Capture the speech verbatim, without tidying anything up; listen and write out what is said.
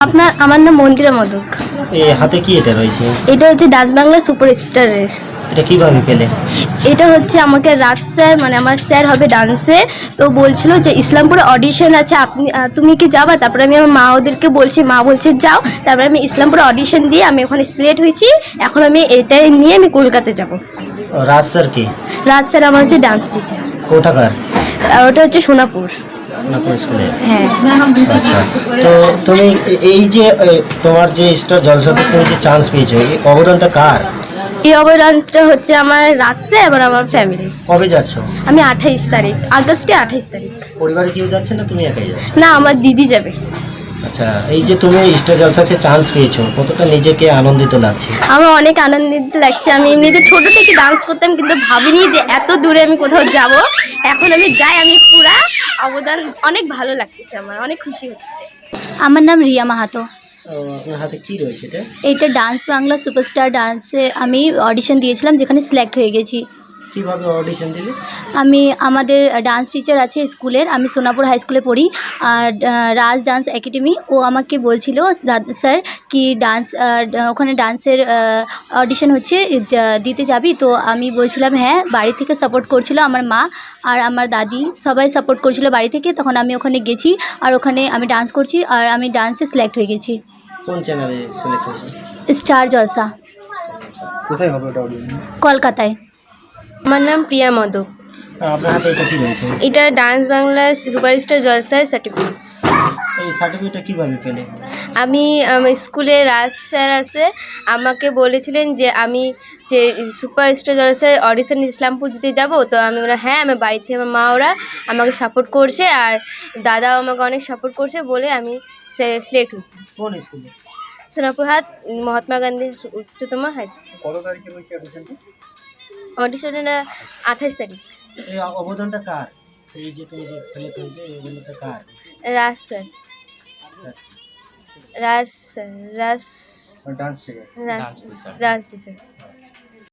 আপনার আমার নাম মন্দিরা মদক। এ হাতে কি এটা রয়েছে? এটা হচ্ছে ডাচ বাংলা সুপারস্টারের। এটা কিভাবে পেলে? এটা হচ্ছে আমাকে রাত স্যার মানে আমার স্যার হবে ডান্সে, তো বলছিল যে ইসলামপুরে অডিশন আছে, আপনি আহ, তুমি কি যাবা? তারপরে আমি আমার মা ওদেরকে বলছি, মা বলছে যাও। তারপরে আমি ইসলামপুরে অডিশন দিয়ে আমি ওখানে সিলেক্ট হয়েছি। এখন আমি এটাই নিয়ে আমি কলকাতা যাব। রাজ স্যার কি? রাত স্যার আমার হচ্ছে ডান্স টিচার। কোথাকার? আর ওটা হচ্ছে সোনাপুর। নাগপুর স্কুলে। হ্যাঁ। আচ্ছা, তো তুমি এ- এই যে এ, তোমার যে স্টার জলসাতে তুমি যে চান্স পেয়েছো, এই অবদানটা কার? এই অবদানটা হচ্ছে আমার রাত স্যার এবং আমার ফ্যামিলি। কবে যাচ্ছ? আমি আঠাইশ তারিখ আগস্টে আঠাইশ তারিখ। পরিবারে কেউ যাচ্ছে না, তুমি একাই যাচ্ছ? না, আমার দিদি যাবে। আচ্ছা, এই যে তুমি স্টার জলসাতে চান্স পেয়েছো, কতটা নিজেকে আনন্দিত লাগছে? আমার অনেক আনন্দিত লাগছে। আমি এমনিতে ছোট থেকে ডান্স করতাম, কিন্তু ভাবিনি যে এত দূরে আমি কোথাও যাব। এখন আমি যাই, আমি পুরা অবদান, অনেক ভালো লাগতেছে, আমার অনেক খুশি হচ্ছে। আমার নাম রিয়া মাহাতো। ও, আপনার হাতে কি রয়েছে এটা? এইটা ডান্স বাংলা সুপারস্টার ডান্সে আমি অডিশন দিয়েছিলাম, যেখানে সিলেক্ট হয়ে গেছি। কিভাবে অডিশন দিলে? আমি আমাদের ডান্স টিচার আছে স্কুলের, আমি সোনাপুর হাই স্কুলে পড়ি। আর আহ, রাজ ডান্স একাডেমি, ও আমাকে বলছিল দাদা স্যার কি ডান্স ওখানে ডান্সের অডিশন হচ্ছে, আহ, দিতে যাবি? তো আমি বলছিলাম হ্যাঁ। বাড়ি থেকে সাপোর্ট করছিল, আমার মা আর আমার দাদি সবাই সাপোর্ট করছিল বাড়ি থেকে। তখন আমি ওখানে গেছি, আর ওখানে আমি ডান্স করছি, আর আমি ডান্সে সিলেক্ট হয়ে গেছি। কোন চ্যানেলে সিলেক্ট হয়েছে? স্টার জলসা, কোথায় হবে ওটা অডিশন? কলকাতায়। আমার নাম প্রিয়া মদক। আপনার হাতে এটা কি রয়েছে? এটা ডান্স বাংলা সুপারস্টার জলসার সার্টিফিকেট। এই সার্টিফিকেটটা কিভাবে পেলে? আমি আমার স্কুলে রাজ স্যার আছে, আমাকে বলেছিলেন যে আমি যে সুপারস্টার জলসায় অডিশন ইসলামপুর দিতে যাব। তো আমি বললাম হ্যাঁ, আমার বাড়ি থেকে আমার মা ওরা আমাকে সাপোর্ট করছে, আর দাদাও আমাকে অনেক সাপোর্ট করছে বলে আমি সিলেক্ট হয়েছি। কোন স্কুলে? সোনাপুর হাট মহাত্মা গান্ধী উচ্চতম হাই স্কুল। কত তারিখে হয়েছে অডিশনটা? অডিশনটা আঠাশ তারিখ। এই অবদানটা কার? এই যে তুমি যে সিলেক্ট হয়েছে, এই অবদানটা কার? Raj sir, Raj sir, Raj dance শেখার। রাজ রাজ টিচার।